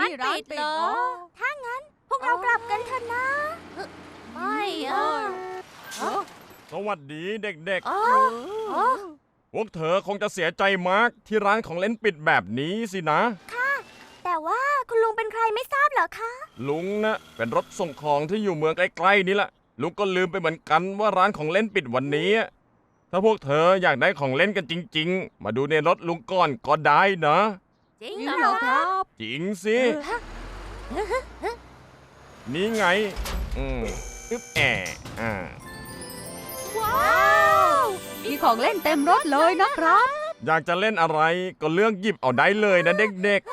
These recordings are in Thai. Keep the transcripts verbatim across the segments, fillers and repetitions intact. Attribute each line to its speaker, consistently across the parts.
Speaker 1: านปิดเหรอถ้างั้นพวกเรากลับกันเถอะนะไม่อ่ะ
Speaker 2: สวัสดีเด็ก
Speaker 1: อ๋ออ๋อ
Speaker 2: ๆ พวกเธอคงจะเสียใจมากที่ร้านของเล่นปิดแบบนี้สินะ
Speaker 1: แต่ว่าคุณลุงเป็นใครไม่ทราบเหรอคะ
Speaker 2: ลุงนะเป็นรถส่งของที่อยู่เมืองใกล้ๆนี่แหละลุงก็ลืมไปเหมือนกันว่าร้านของเล่นปิดวันนี้ ถ้าพวกเธออยากได้ของเล่นกันจริงๆ มาดูในรถลุงก่อนก็ได้นะ
Speaker 1: จริงเหรอครับ
Speaker 2: จริงสิ นี่ไง อืมอึ๊บแอะอ่า
Speaker 1: ว้าวมีของเล่นเต็มรถเลยนะครับ
Speaker 2: อยากจะเล่นอะไรก็เลือกหยิบเอาได้เลยนะเด็ก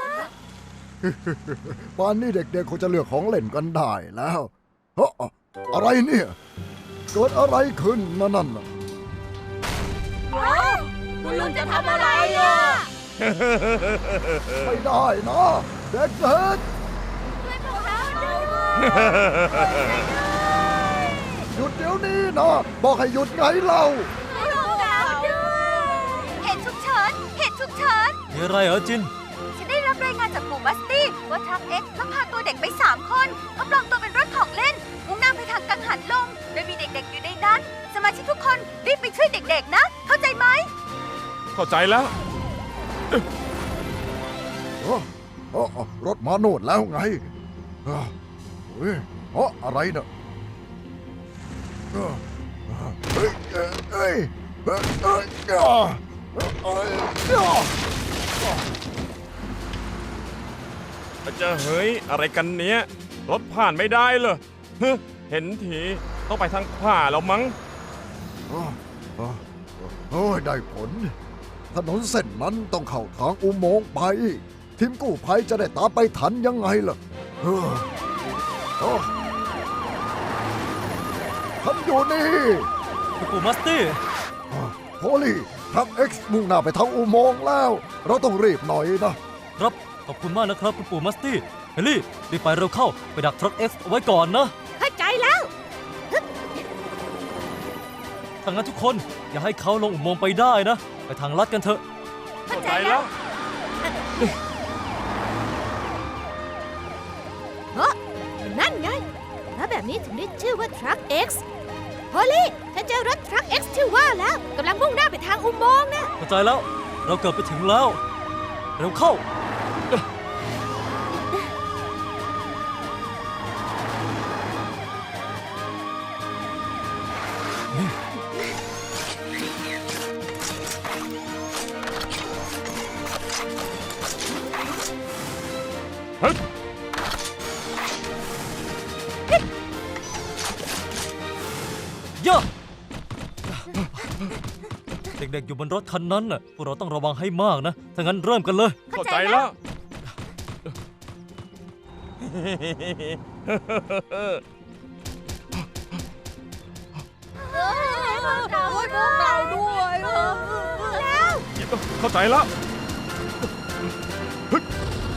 Speaker 3: ป่านนี้เด็กๆคงจะเลือกของเล่นกันได้แล้วเฮ้ออะไรเนี่ยเกิดอะไรขึ้นนะนั่นน่ะ
Speaker 1: ว้าวคุณลุงจะทำอะไรอ่ะ
Speaker 3: ไม่ได้นะเด็ก
Speaker 1: ช่วยพวกเราด้วย
Speaker 3: ๆหยุดเดี๋ยวนี้นะบอกให้หยุดไงเรา
Speaker 1: ช่วยพวกเราด้วยเหตุฉุกเฉินเหตุฉุกเฉิน
Speaker 4: มีอะไรเหรอจิน
Speaker 1: ฉันได้รับรายงานจากหมู่บัสตี้ว่าทรัคเอ็กซ์ลักพาตัวเด็กไปสามคนเขาปลอมตัวเป็นรถของเล่นมุ่งหน้าไปทางกังหันลมโดยมีเด็กๆอยู่ในนั้นสมาชิกทุกคนรีบไปช่วยเด็กๆนะเข้าใจไหม
Speaker 2: ๆ เข้าใจแล้ว
Speaker 3: เอ้อเอ้อรถมาโน่นแล้วไงเอ้อเฮ้ยเอ้ออะไรเนอะเอ้อเฮ้ยเอ้ยเอ้ยเอ้ยเอ้ยเอ้ยเอ้ยเอ้ย
Speaker 2: จะเฮ้ยอะไรกันเนี้ยรถผ่านไม่ได้เลยฮึเห็นทีต้องไปทางขวาแล้วมั้ง
Speaker 3: เอ้อเอ้อเอ้ยได้ผล ถนนเส้นนั้นต้องเข้าทางอุโมงค์ไป ทีมกู้ภัยจะได้ตามไปทันยังไงล่ะเอ้อเอ้อฉันอยู่นี่
Speaker 4: คุณปู่มัสตี้
Speaker 3: โพลี่ทรัคเอ็กซ์มุ่งหน้าไปทางอุโมงค์แล้ว เราต้องรีบหน่อยนะ
Speaker 4: ครับขอบคุณมากนะครับคุณปู่มัสตี้เฮลี่รีบไปเร็วเข้าไปดักทรัคเอ็กซ์เอาไว้ก่อนนะ
Speaker 1: เข้าใจแล้ว
Speaker 4: ถ้างั้นทุกคนอย่าให้เขาลงอุโมงค์ไปได้นะ ไปทางลัดกันเถอะ
Speaker 2: เข้าใจแล้ว
Speaker 1: นั่นไงแล้วแบบนี้ถึงได้ชื่อว่าทรัค X ฮอลลี่ฉันเจอรถทรัค X ชื่อว่าแล้วกำลังมุ่งหน้าไปทางอุโมงค์นะ
Speaker 4: เข้าใจแล้ว เราเกือบไปถึงแล้ว เร็วเข้า
Speaker 2: ฮึบ
Speaker 4: ย่าเด็กๆอยู่บนรถคันนั้นน่ะพวกเราต้องระวังให้มากนะ ถ้างั้นเริ่มกันเลย
Speaker 2: เข้าใจแล้ว
Speaker 1: พวกเราพวกเราด้วยแล้ว
Speaker 2: เข้าใจแล้วฮึบ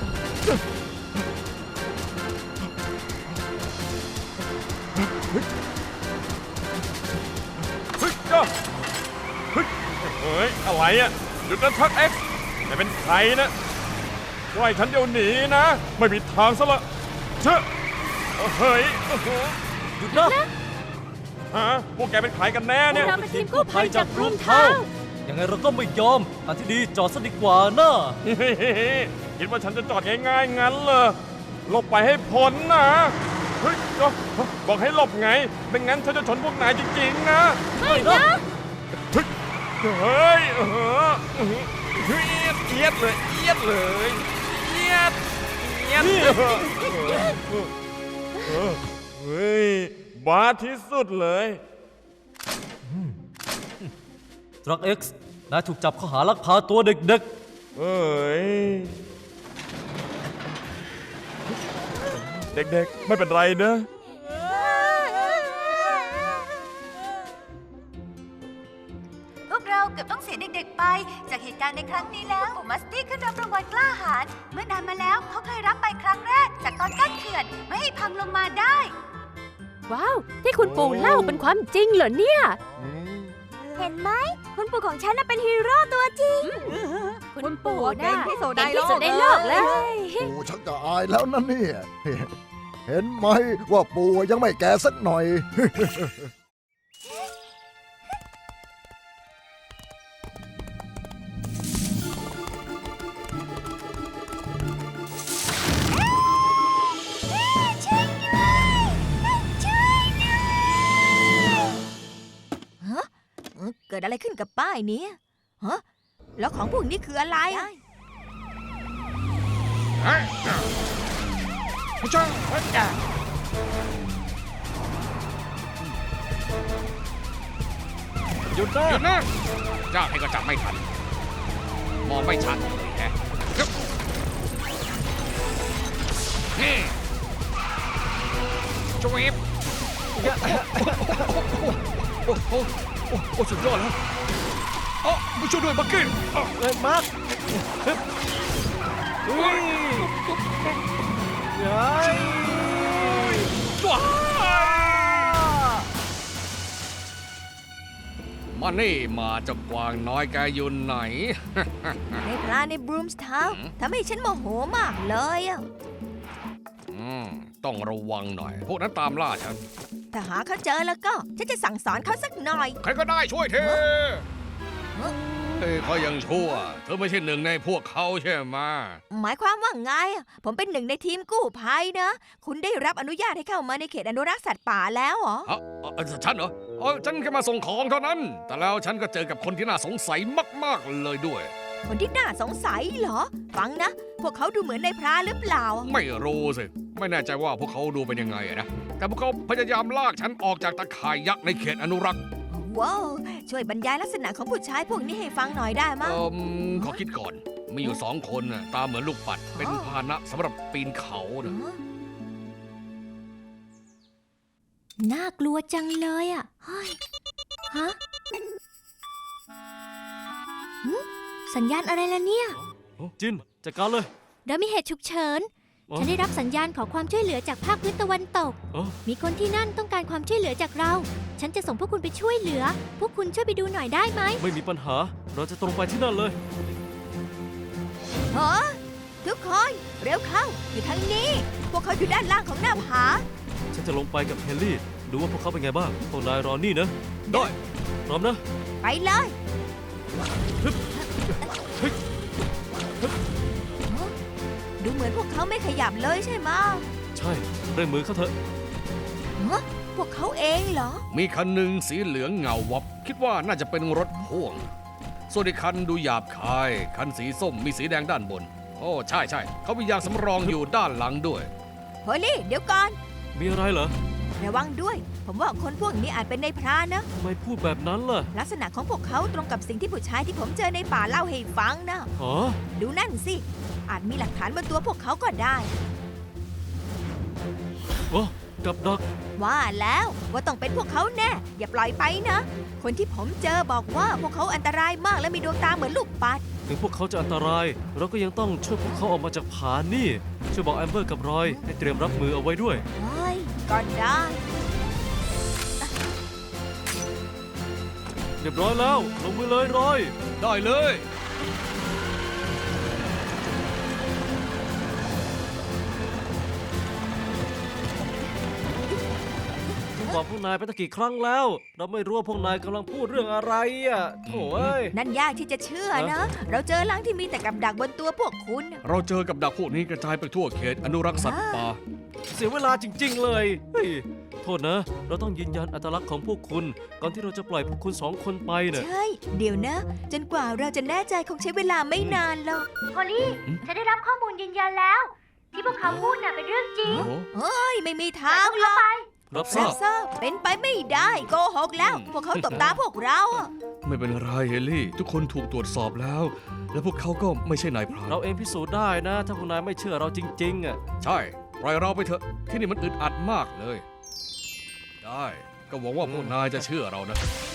Speaker 2: ฮึบจ้าฮึบเฮ้ยอะไรอ่ะหยุดนะทักเอ็กซ์ไม่เป็นใครนะช่วยฉันเดี๋ยวหนีนะ ไม่มีทางซะละเชอะเฮ้ยโอ้โห
Speaker 4: หยุดนะ
Speaker 2: ฮะพวกแกเป็นใครกันแน่เนี่ย
Speaker 1: เราเป็นทีมกู้ภัยจากกรุงเทพ
Speaker 4: ยังไงเราก็ไม่ยอมทางที่ดีจอดซะดีกว่านะ
Speaker 2: คิดว่าฉันจะจอดง่ายๆงั้นเหรอหลบไปให้พ้นนะเฮ้ยบอกให้หลบไงไม่งั้นฉันจะชนพวกนายจริงๆนะ
Speaker 1: ไม่นะ
Speaker 2: เฮ้ยเออเอียดเอียดเลยเอียดเลยเอียดเอียดเฮ้ยบ้าที่สุดเลย
Speaker 4: ทรัคเอ็กซ์นายถูกจับข้อหาลักพาตัวเด็ก
Speaker 2: เอ้ยเด็กๆไม่เป็นไรนะ
Speaker 1: พวกเราเกือบต้องเสียเด็กๆไปจากเหตุการณ์ในครั้งนี้แล้วปู่มัสตี้ขึ้นรับรางวัลกล้าหาญเมื่อนานมาแล้วเขาเคยรับไปครั้งแรกจากตอนกั้นเขื่อนไม่ให้พังลงมาได้
Speaker 5: ว้าว ที่คุณปู่เล่าเป็นความจริงเหรอเนี่ย
Speaker 1: เห็นไหมคุณปู่ของฉันน่ะเป็นฮีโร่ตัวจริง
Speaker 5: คุณปู่
Speaker 1: เก่
Speaker 5: น่ะ
Speaker 1: งที่สุด
Speaker 5: เก่งที่สุดในโลกเลย
Speaker 3: ปู่ชักจะอายแล้วนะเนี่ย เห็นไหมว่าปู่ยังไม่แก่สักหน่อย
Speaker 6: เกิดอะไรขึ้นกับป้ายนี้ฮะแล้วของพวกนี้คืออะไร
Speaker 2: ผู้ช่วยเฮ้ยอ่ะหยุดนะหยุดนะจ้าให้ก็จับไม่ทัน มองไม่ชัดเลยแฮะนี่ช่วยโอ้โหโอ้โหสุดยอดแล้วอ๋อมาช่วยด้วยบักกี้เอ้ยมาร์คเฮ้ยยัยว้ามานี่มาเจ้ากวางน้อยแกอยู่ไหน
Speaker 6: ในพรานในบรูมส์ทาวน์ทำให้ฉันโมโหมากเลยอะ
Speaker 2: อืมต้องระวังหน่อย พวกนั้นตามล่าฉัน
Speaker 6: ถ้าหาเขาเจอแล้วก็ฉันจะสั่งสอนเขาสักหน่อย
Speaker 2: ใครก็ได้ช่วยเธอเฮ้ยเขายังชั่ว เธอไม่ใช่หนึ่งในพวกเขาใช่ไหม
Speaker 6: หมายความว่าไงอะผมเป็นหนึ่งในทีมกู้ภัยนะ คุณได้รับอนุญาตให้เข้ามาในเขตอนุรักษ์สัตว์ป่าแล้วเหรอ
Speaker 2: เอ้าเอ้าฉันเหรอเอ้าฉันแค่มาส่งของเท่านั้น แต่แล้วฉันก็เจอกับคนที่น่าสงสัยมากๆเลยด้วย
Speaker 6: คนที่น่าสงสัยเหรอ ฟังนะ พวกเขาดูเหมือนในพรานหรือเปล่า
Speaker 2: ไม่รู้สิ ไม่แน่ใจว่าพวกเขาดูเป็นยังไงอะนะ แต่พวกเขาพยายามลากฉันออกจากตะข่ายยักษ์ในเขตอนุรักษ์
Speaker 6: ว้าวช่วยบรรยายลักษณะของผู้ชายพวกนี้ให้ฟังหน่อยได้มั้ย
Speaker 2: เอ่มขอคิดก่อน มีอยู่สองคนน่ะตาเหมือนลูกปัด เป็นพาหนะสำหรับปีนเขานะ
Speaker 5: น่ากลัวจังเลยอ่ะเฮ้ยฮะหึสัญญาณอะไรล่ะเนี่ย
Speaker 4: จินจัดการเลย
Speaker 5: เรามีเหตุฉุกเฉิน
Speaker 4: อ๋อ
Speaker 5: ฉันได้รับสัญญาณขอความช่วยเหลือจากภาคพื้นตะวันตก
Speaker 4: อ๋อ
Speaker 5: มีคนที่นั่นต้องการความช่วยเหลือจากเรา ฉันจะส่งพวกคุณไปช่วยเหลือ พวกคุณช่วยไปดูหน่อยได้ไหม
Speaker 4: ไม่มีปัญหา เราจะตรงไปที่นั่นเลย
Speaker 6: ฮะทุกคน เร็วเข้า อยู่ทางนี้ พวกเขาอยู่ด้านล่างของหน้าผา
Speaker 4: ฉันจะลงไปกับเฮนรี่ ดูว่าพวกเขาเป็นไงบ้างพวกนายรอนี่นะ ได้ พร้อมนะ
Speaker 6: ไปเลย ดูเหมือนพวกเขาไม่ขยับเลยใช่ไหมะ
Speaker 4: ใช่เร่งมือเขาเถอะ
Speaker 6: ฮะพวกเขาเองเหรอ
Speaker 2: มีคันหนึ่งสีเหลืองเงาวับ คิดว่าน่าจะเป็นรถพ่วง ส่วนอีกคันดูหยาบคาย คันสีส้มมีสีแดงด้านบน โอ้ใช่ใช่เขามียางสำรองอยู่ด้านหลังด้วย
Speaker 6: โฮลี่ เดี๋ยวก่อน
Speaker 4: มีอะไรเหรอ
Speaker 6: ระวังด้วย ผมว่าคนพวกนี้อาจเป็นในพรานนะ
Speaker 4: ทำไมพูดแบบนั้นล่ะ
Speaker 6: ลักษณะของพวกเขาตรงกับสิ่งที่ผู้ชายที่ผมเจอในป่าเล่าให้ฟังนะ
Speaker 4: อ๋อ
Speaker 6: ดูนั่นสิ อาจมีหลักฐานบนตัวพวกเขาก็ได้
Speaker 4: โอ้กับดัก
Speaker 6: ว่าแล้วว่าต้องเป็นพวกเขาแน่ อย่าปล่อยไปนะ คนที่ผมเจอบอกว่าพวกเขาอันตรายมากและมีดวงตาเหมือนลูกปัด
Speaker 4: ถึงพวกเขาจะอันตราย เราก็ยังต้องช่วยพวกเขาออกมาจากผานี่ ช่วยบอกแอมเบอร์กับรอย ให้เตรียมรับมือเอาไว้ด้วย
Speaker 6: เฮ้ยก็ได้
Speaker 4: เรียบร้อยแล้ว ลงมือเลยรอย
Speaker 2: ได้เลย
Speaker 4: ผมบอกพวกนายไปตั้งกี่ครั้งแล้ว เราไม่รู้ว่าพวกนายกำลังพูดเรื่องอะไรอ่ะโถ่เอ้ย
Speaker 6: นั่นยากที่จะเชื่อนะ เราเจอลังที่มีแต่กับดักบนตัวพวกคุณ
Speaker 2: เราเจอกับดักพวกนี้กระจายไปทั่วเขตอนุรักษ์สัตว์ป่า
Speaker 4: เสียเวลาจริง ๆ เลยเฮ้ยโทษนะ เราต้องยืนยันอัตลักษณ์ของพวกคุณ ก่อนที่เราจะปล่อยพวกคุณสองคนไปเนี่ย
Speaker 6: ใช่ เดี๋ยวนะ จนกว่าเราจะแน่ใจคงใช้เวลาไม่นานหรอก
Speaker 5: พอลลี่ ฉันได้รับข้อมูลยืนยันแล้ว ที่พวกเขาพูดน่ะเป็นเรื่องจริง
Speaker 2: โอ้
Speaker 6: เฮ้ย ไม่มีทางหรอก
Speaker 4: รับท
Speaker 6: แซ
Speaker 4: ราบ
Speaker 6: ซ่าเป็นไปไม่ได้โกหกแล้ว พวกเขาตบตาพวกเราอะ
Speaker 2: ไม่เป็นไรเฮลี่ ทุกคนถูกตรวจสอบแล้ว และพวกเขาก็ไม่ใช่นายพราน
Speaker 4: เราเองพิสูจน์ได้นะ ถ้าพวกนายไม่เชื่อเราจริงๆอ่ะ
Speaker 2: ใช่ ปล่อยเราไปเถอะ ที่นี่มันอึดอัดมากเลย ได้ ก็หวังว่าพวกนายจะเชื่อเรานะ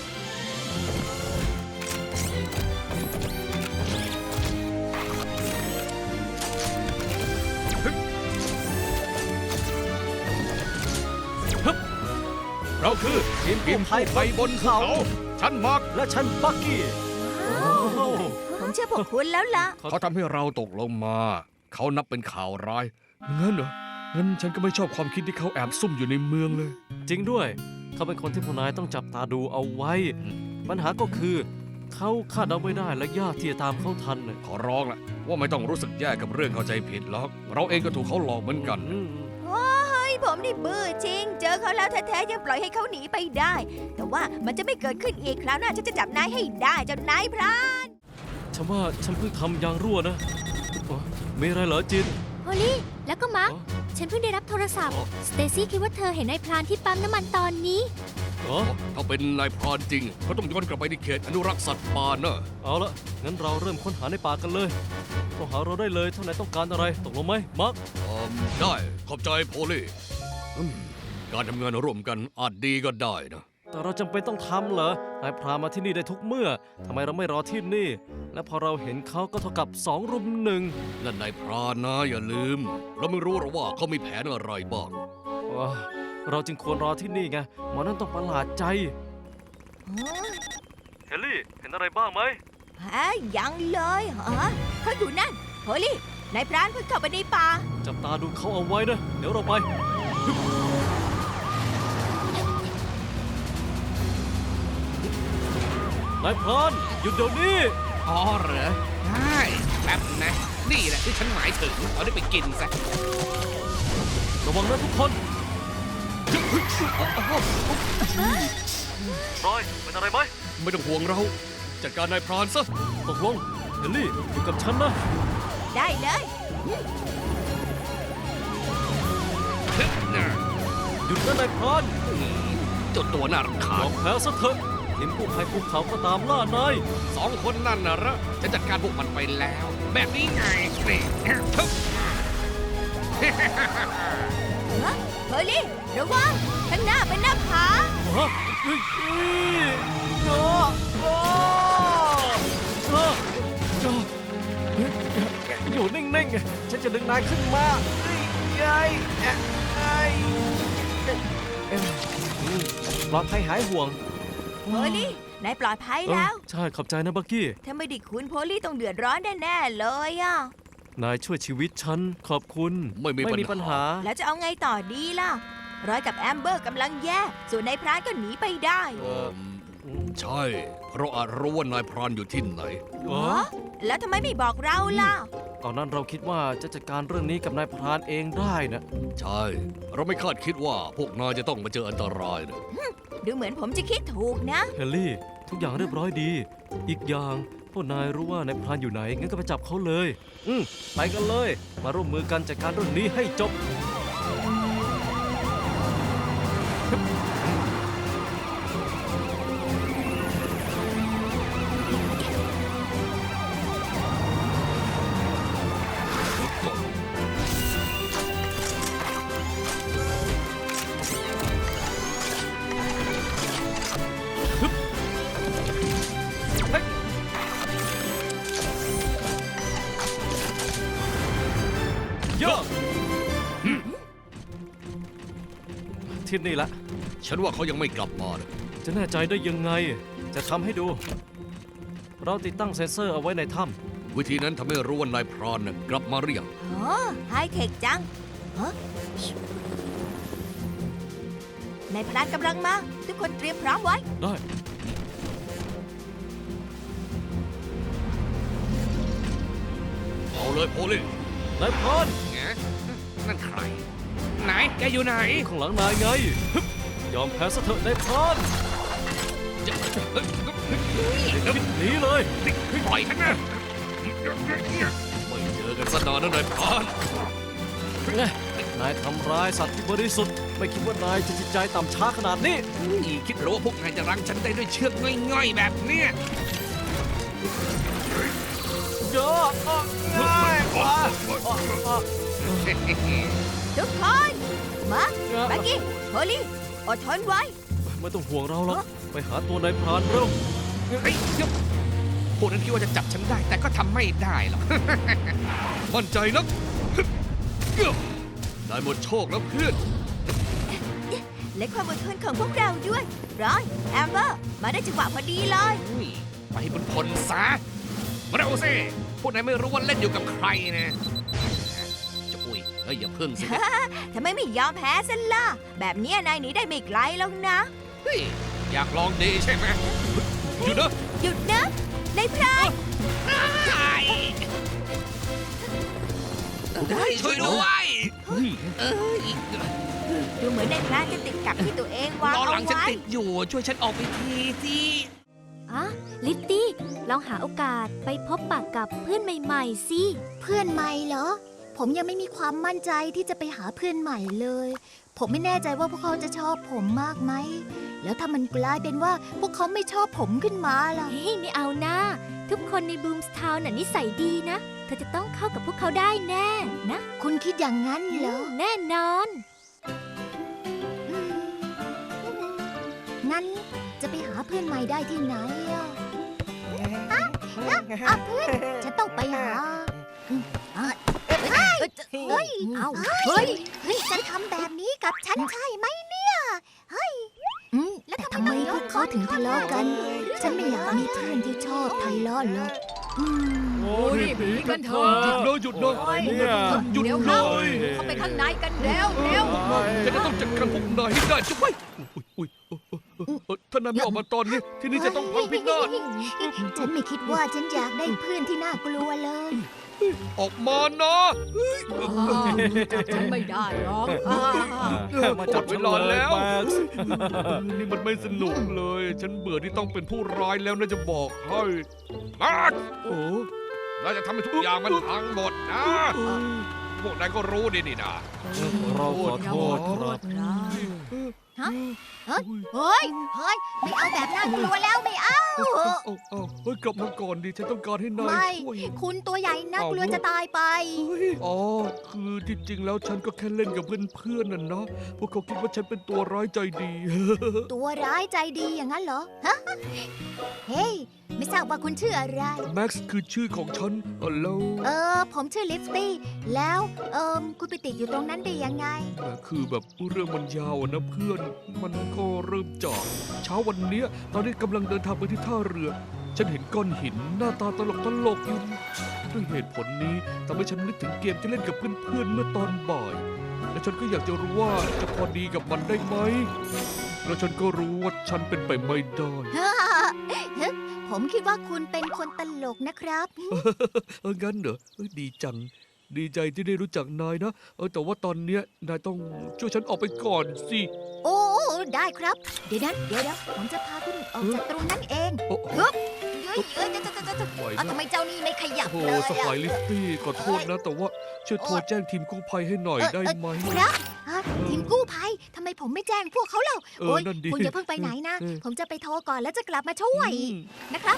Speaker 2: เราคือทีมทีมกู้ภัยบนเขา ฉันมาร์ก
Speaker 4: และฉันบักกี้
Speaker 6: ผมเชื่อพวกคุณแล้วล่ะ
Speaker 2: เขาทำให้เราตกลงมา
Speaker 7: เขานับเป็นข่าวร้ายงั้นเหรองั้นฉันก็ไม่ชอบความคิดที่เขาแอบซุ่มอยู่ในเมืองเลย
Speaker 4: จริงด้วย เขาเป็นคนที่พวกนายต้องจับตาดูเอาไว้ ปัญหาก็คือ เขาคาดเดาไม่ได้และยากที่จะตามเขาทันน่ะ
Speaker 7: ขอร้องละว่าไม่ต้องรู้สึกแย่กับเรื่องเข้าใจผิดหรอกเราเองก็ถูกเขาหลอกเหมือนกัน
Speaker 4: อืม
Speaker 6: เฮ้ยผมนี่บื้อจริง เจอเขาแล้วแท้ๆยังปล่อยให้เขาหนีไปได้ แต่ว่ามันจะไม่เกิดขึ้นอีกคราวหน้าฉันจะจับนายให้ได้เจ้านายพราน
Speaker 4: ฉันว่าฉันเพิ่งทำยางรั่วนะอ๋อมีอะไรเหรอจิน
Speaker 5: โฮลี่ แล้วก็มาร์ค
Speaker 4: อ๋อ
Speaker 5: ฉันเพิ่งได้รับโทรศัพท์
Speaker 4: อ๋อ
Speaker 5: สเตซี่คิดว่าเธอเห็นนายพรานที่ปั๊มน้ำมันตอนนี้
Speaker 4: อ๋อ
Speaker 7: ถ้าเป็นนายพรานจริงเขาต้องย้อนกลับไปที่เขตอนุรักษ์สัตว์ป่าเนอะ
Speaker 4: เอาละงั้นเราเริ่มค้นหาในป่ากันเลยโทรหาเราได้เลยถ้านายต้องการอะไรตกลงไหมมาร์ค
Speaker 7: อืมได้ขอบใจโพลี่อืมการทำงานร่วมกันอาจดีก็ได้นะ
Speaker 4: แต่เราจำเป็นต้องทำเหรอ นายพรานมาที่นี่ได้ทุกเมื่อ ทำไมเราไม่รอที่นี่ และพอเราเห็นเขาก็เท่ากับสองรุมหนึ่ง
Speaker 7: นั่นนายพรานนะอย่าลืม เราไม่รู้หรอกว่าเขามีแผนอะไรบ้าง
Speaker 4: ว้าเราจึงควรรอที่นี่ไง หมอนั่นต้องประหลาดใจ เฮลลี่ เห็นอะไรบ้างไหม
Speaker 6: ฮะยังเลยฮะเขาอยู่นั่นโฮลี่นายพรานเพิ่งเข้าไปในป่า
Speaker 4: จับตาดูเขาเอาไว้นะ เดี๋ยวเราไป นายพรานหยุดเดี๋ยวนี้
Speaker 8: อ๋อเหรอ ได้แป๊บนะ นี่แหละที่ฉันหมายถึง เอาได้ไปกินซะ
Speaker 4: ระวังนะทุกคนรอยเป็นอะไรไหม
Speaker 7: ไม่ต้องห่วงเรา จัดการนายพรานซะ
Speaker 4: ตกลง เฮลลี่ อยู่กับฉันนะ
Speaker 6: ได้เลย
Speaker 4: หยุดนะนายพราน
Speaker 8: เจ้าตัวน่ารำคาย
Speaker 4: อ
Speaker 8: ญ
Speaker 4: มแพ้ซะเถอะทีมกู้ภัยภูเขาก็ตามล่านาย
Speaker 8: สองคนนั่นนะเหรอฉันจัดการพวกมันไปแล้ว แบบนี้ไงนี่ทึบ
Speaker 6: ฮะโฮลี่ระวังข้างหน้าเป็นหน้าผา
Speaker 4: ฮะเฮ้ยเฮ้ยโอ้โอ้โอ้โอ้เฮ้ยอยู่นิ่งๆ ฉันจะดึงนายขึ้นมาเฮ้ยเฮ้ยเอ้ยเอ้ยเอ้ยอืมปลอดภัยหายห่วง
Speaker 6: โฮลี่นายปลอดภัยแล้ว
Speaker 4: เออใช่ ขอบใจนะบักกี้
Speaker 6: ถ้าไม่ได้คุณโพลี่ต้องเดือดร้อนแน่ๆเลยอ่ะ
Speaker 4: นายช่วยชีวิตฉัน ขอบคุณ
Speaker 7: ไม่มี
Speaker 4: ไม่มี
Speaker 7: ปั
Speaker 4: ปัญ
Speaker 7: ญ
Speaker 4: หา
Speaker 7: หา
Speaker 6: แล้วจะเอาไงต่อดีล่ะ ร้อยกับแอมเบอร์กำลังแย่ ส่วนนายพรานก็หนีไปได้
Speaker 7: เออใช่ เราอาจรู้ว่านายพรานอยู่ที่ไหน
Speaker 4: เอ
Speaker 6: อ๋อ
Speaker 4: อ
Speaker 6: แล้วทำไมไม่บอกเราล่ะ
Speaker 4: ตอนนั้นเราคิดว่าจะจัดการเรื่องนี้กับนายพรานเองได้นะ
Speaker 7: ใช่ เราไม่คาดคิดว่าพวกนายจะต้องมาเจออันตรายนะ
Speaker 6: ดูเหมือนผมจะคิดถูกนะ
Speaker 4: เฮลลี่ ทุกอย่างเรียบร้อยดี อีกอย่างพวกนายรู้ว่านายพรานอยู่ไหน งั้นก็ไปจับเขาเลย อืมไปกันเลย มาร่วมมือกันจัดการเรื่องนี้ให้จบ เยอะที่นี่ละ
Speaker 7: ฉันว่าเขายังไม่กลับมานะ
Speaker 4: จะแน่ใจได้ยังไง จะทำให้ดู เราติดตั้งเซ็นเซอร์เอาไว้ในถ้
Speaker 7: วิธีนั้นทำให้รู้ว่านายพรานน่ะกลับมาหรือยัง
Speaker 6: โอ้ไฮเทคจังฮะนายพรานกำลังมา ทุกคนเตรียมพร้อมไว้
Speaker 4: ำได้
Speaker 7: เอาเลยโพลี่
Speaker 4: นายพราน
Speaker 8: ไงนั่นใคร ไหน แกอยู่ไหน
Speaker 4: ข้างหลังนายไงฮึบยอมแพ้ซะเถอะนายพราน
Speaker 8: จะเฮ้ย
Speaker 4: หนีเลย
Speaker 8: ปล่อยฉันนะ
Speaker 7: ไม่เจอกันสักนานนะนายพราน
Speaker 4: นายทำร้ายสัตว์ที่บริสุทธิ์ ไม่คิดว่านายจะจิตใจต่ำช้าขนาดนี้
Speaker 8: อีคิดหรือว่าพวกนายจะรั้งฉันได้ด้วยเชือกง่อยๆแบบเนี้ย
Speaker 4: เยอะง่ายกว่า
Speaker 6: ทุกคนมาบักกี้โฮลี่อดทนไว้
Speaker 4: ไม่ต้องห่วงเราหรอกไปหาตัวนายพรานเร็ว
Speaker 8: เฮ้ยเดี๋ยวพวกนั้นคิดว่าจะจับฉันได้ แต่ก็ทำไม่ได้หรอก
Speaker 7: มั่นใจนักได้หมดโชคแล้วเพื่อน
Speaker 6: และความอดทนของพวกเราด้วยร้อยแอมเบอร์ มาได้จังหวะพอดีเลย
Speaker 8: อุ้ยไปบนพลซะมาเร็วสิพวกนายไม่รู้ว่าเล่นอยู่กับใครนะอ้ยอย่าพึ่งสิ
Speaker 6: ทำไมไม่ยอมแพ้ซะล่ะ แบบเนี้ยนายหนีได้ไม่ไกลแล้วนะ
Speaker 8: เฮ้ยอยากลองดีใช่ไหมหยุดนะ
Speaker 6: หยุดนะนายพราน
Speaker 8: ได้ช่วยด้วยเอ้ย
Speaker 6: ดูเหมือนนายพรานจะติดกับที่ตัวเองวาง
Speaker 8: ล้อห
Speaker 6: เอา
Speaker 8: ลังฉัน
Speaker 6: ไว้
Speaker 8: ติดอยู่ช่วยฉันออกไปทีสิ
Speaker 5: อะลิตตี้ ลองหาโอกาสไปพบปะกับเพื่อนใหม่ๆสิ
Speaker 9: เพื่อนใหม่เหรอ ผมยังไม่มีความมั่นใจที่จะไปหาเพื่อนใหม่เลย ผมไม่แน่ใจว่าพวกเขาจะชอบผมมากไหม แล้วถ้ามันกลายเป็นว่าพวกเขาไม่ชอบผมขึ้นมาล่ะ
Speaker 5: เฮ้ยไม่เอานะ ทุกคนในบูมสทาวน์น่ะนิสัยดีนะ เธอจะต้องเข้ากับพวกเขาได้แน่นะ
Speaker 9: คุณคิดอย่างนั้นเหรอ
Speaker 5: แน่นอน
Speaker 9: อืมงั้นจะไปหาเพื่อนใหม่ได้ที่ไหนอ่ะอ่ะอ่ะเพื่อน ฉันต้องไปหาอืมอ่ะเฮ้ยเฮ้ย
Speaker 5: เอา
Speaker 9: เฮ้ยเฮ้ยจะทำแบบนี้กับฉันใช่ไหมเนี่ยเฮ้ยอืมแต่ทำไมพวกเขาถึงทะเลาะกัน ฉันไม่อยากมีเพื่อนที่ชอบทะเลาะหรอกอืม
Speaker 4: โอ้ยหนีกันเถอะ
Speaker 7: หยุดเลยหยุดเลย
Speaker 4: เนี่ย
Speaker 7: หยุด
Speaker 6: เดี๋ยว
Speaker 7: เล
Speaker 6: เข้าย เข้าไปข้างในกันเร็วเร็ว
Speaker 7: ฉันจะต้องจัดการพวกนายให้ได้จุ๊บไปอุ้ยอุ้ยเอ่อถ้านายไม่ออกมาตอนนี้ ที่นี่จะต้องพังพินาศ
Speaker 9: ฉันไม่คิดว่าฉันอยากได้เพื่อนที่น่ากลัวเลย
Speaker 7: ออกมานะ
Speaker 6: จับฉันไม่ได้หรอกอ่า
Speaker 7: หมดเวลาแล้ว นี่มันไม่สนุกเลย ฉันเบื่อที่ต้องเป็นผู้ร้ายแล้วนะจะบอกให้มาร์คโอ้เราจะทำให้ทุกอย่างมันพังหมดนะ พวกนายก็รู้ดีนี่นะ
Speaker 4: เราขอโทษครับ
Speaker 9: เฮ้ย เฮ้ย ไม่เอาแบบน่ากลัวแล้วไม่เอา
Speaker 7: เอาเอาเอาเฮ้ยกลับมาก่อนดิ ฉันต้องการให้นาย
Speaker 9: ไม่
Speaker 7: ช่วย
Speaker 9: คุณตัวใหญ่น่ากลัวจะตายไป
Speaker 7: อ๋อ คือจริงๆ แล้วฉันก็แค่เล่นกับเพื่อนๆน่ะนะ พวกเขาคิดว่าฉันเป็นตัวร้ายใจดี
Speaker 9: ตัวร้ายใจดีอย่างนั้นเหรอ ฮะ เฮ้ย ไม่ทราบว่าคุณชื่ออะไร
Speaker 7: แม็กซ์คือชื่อของฉันเออแล้ว
Speaker 9: เออ ผมชื่อลิฟตี้ แล้ว เอิมคุณไปติดอยู่ตรงนั้นได้ยังไง
Speaker 7: แต่คือแบบเรื่องมันยาวอะนะเพื่อน มันก็เริ่มจากเช้าวันเนี้ยตอนนี้กำลังเดินทางไปที่ท่าเรือ ฉันเห็นก้อนหินหน้าตาตลกตลกๆอยู่ด้วยเหตุผลนี้ทำให้ฉันนึกถึงเกมที่เล่นกับเพื่อนๆเมื่อตอนบ่าย และฉันก็อยากจะรู้ว่าจะพอดีกับมันได้ไหม แล้วฉันก็รู้ว่าฉันเป็นไปไม่ได้
Speaker 9: ผมคิดว่าคุณเป็นคนตลกนะครับ
Speaker 7: เอองั้นเหรอเอ้ยดีจัง ดีใจที่ได้รู้จักนายนะ เออแต่ว่าตอนเนี้ยนายต้องช่วยฉันออกไปก่อนสิ
Speaker 9: โอ้ ได้ครับ เดี๋ยวนะเดี๋ยวเดี๋ยวผมจะพาคุณออกจากตรงนั้นเอง
Speaker 7: โอ้
Speaker 9: ฮึบเฮ้ยเอ้ยจะจะจะจะ
Speaker 7: ไหว
Speaker 9: เอา
Speaker 7: นะ
Speaker 9: ทำไมเจ้านี่ไม่ขยับ
Speaker 7: โอ้
Speaker 9: เลย
Speaker 7: ส
Speaker 9: อะ
Speaker 7: ไปลิฟตี้ขอโทษนะ แต่ว่าช่วยโทรแจ้งทีมกู้ภัยให้หน่อย
Speaker 9: เอ่อ
Speaker 7: ได้
Speaker 9: เอ่อ
Speaker 7: ไหม
Speaker 9: ครับฮะทีมกู้ภัยทำไมผมไม่แจ้งพวกเขาเล่า
Speaker 7: เออ
Speaker 9: โอ้ย
Speaker 7: นั่นดิ
Speaker 9: คุณอย่าเพิ่งไปไหนนะ
Speaker 7: เออ
Speaker 9: ผมจะไปโทรก่อนแล้วจะกลับมาช่วย
Speaker 7: อืม
Speaker 9: นะครับ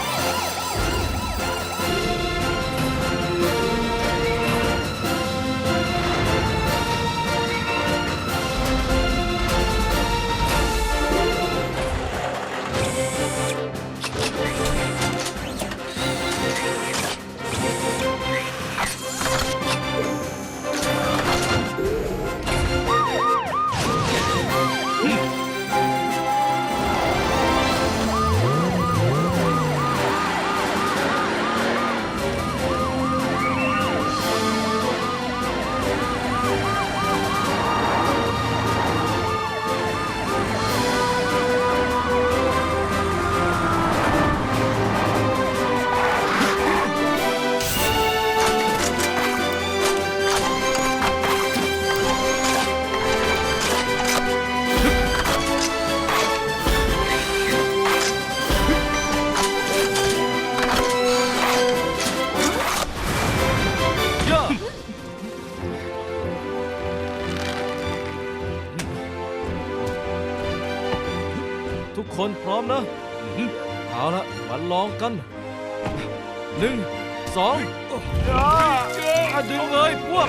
Speaker 4: ย่าทุกคนพร้อมนะ เอาละมาลองกัน หนึ่ง สองย่าอ่ะดึงเลยพวก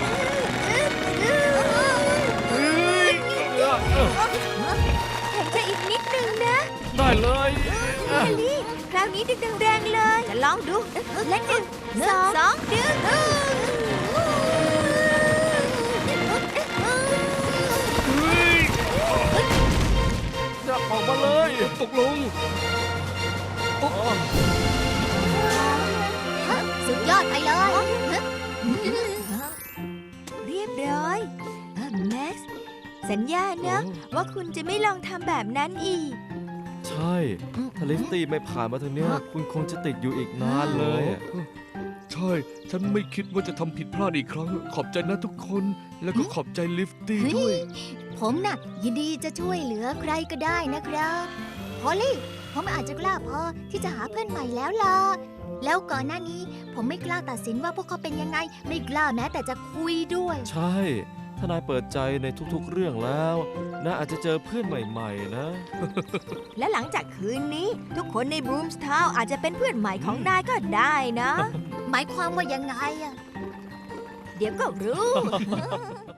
Speaker 4: เฮ้ยอ่ะเออ
Speaker 6: แค่อีกนิดนึงนะ
Speaker 4: ได้เลย
Speaker 6: เฮลี่คราวนี้ดึงแรงๆเลย จะลองดูและหนึ่งสองสองดึง
Speaker 4: จะออกมาเลย
Speaker 7: ตกลง
Speaker 9: สุดยอดไปเลย
Speaker 6: เรียบร้อยเออแม็กซ์ สัญญานะ ว่าคุณจะไม่ลองทำแบบนั้นอีก
Speaker 4: ใช่ ถ้าลิฟตี้ไม่ผ่านมาทางเนี้ย คุณคงจะติดอยู่อีกนานเลยอะ
Speaker 7: ใช่ ฉันไม่คิดว่าจะทำผิดพลาดอีกครั้ง ขอบใจนะทุกคน แล้วก็ขอบใจลิฟตี้ด้วย
Speaker 9: ผมน่ะยินดีจะช่วยเหลือใครก็ได้นะครับพอลลี่ ผมอาจจะกล้าพอที่จะหาเพื่อนใหม่แล้วล่ะ แล้วก่อนหน้านี้ผมไม่กล้าตัดสินว่าพวกเขาเป็นยังไง ไม่กล้าแม้แต่จะคุยด้วย
Speaker 4: ใช่ ถ้านายเปิดใจในทุกๆเรื่องแล้วนายอาจจะเจอเพื่อนใหม่ๆนะ
Speaker 6: และหลังจากคืนนี้ ทุกคนในบรูมสทาวน์อาจจะเป็นเพื่อนใหม่ของนายก็ได้นะ
Speaker 9: หมายความว่ายังไงอะ
Speaker 6: เดี๋ยวก็รู้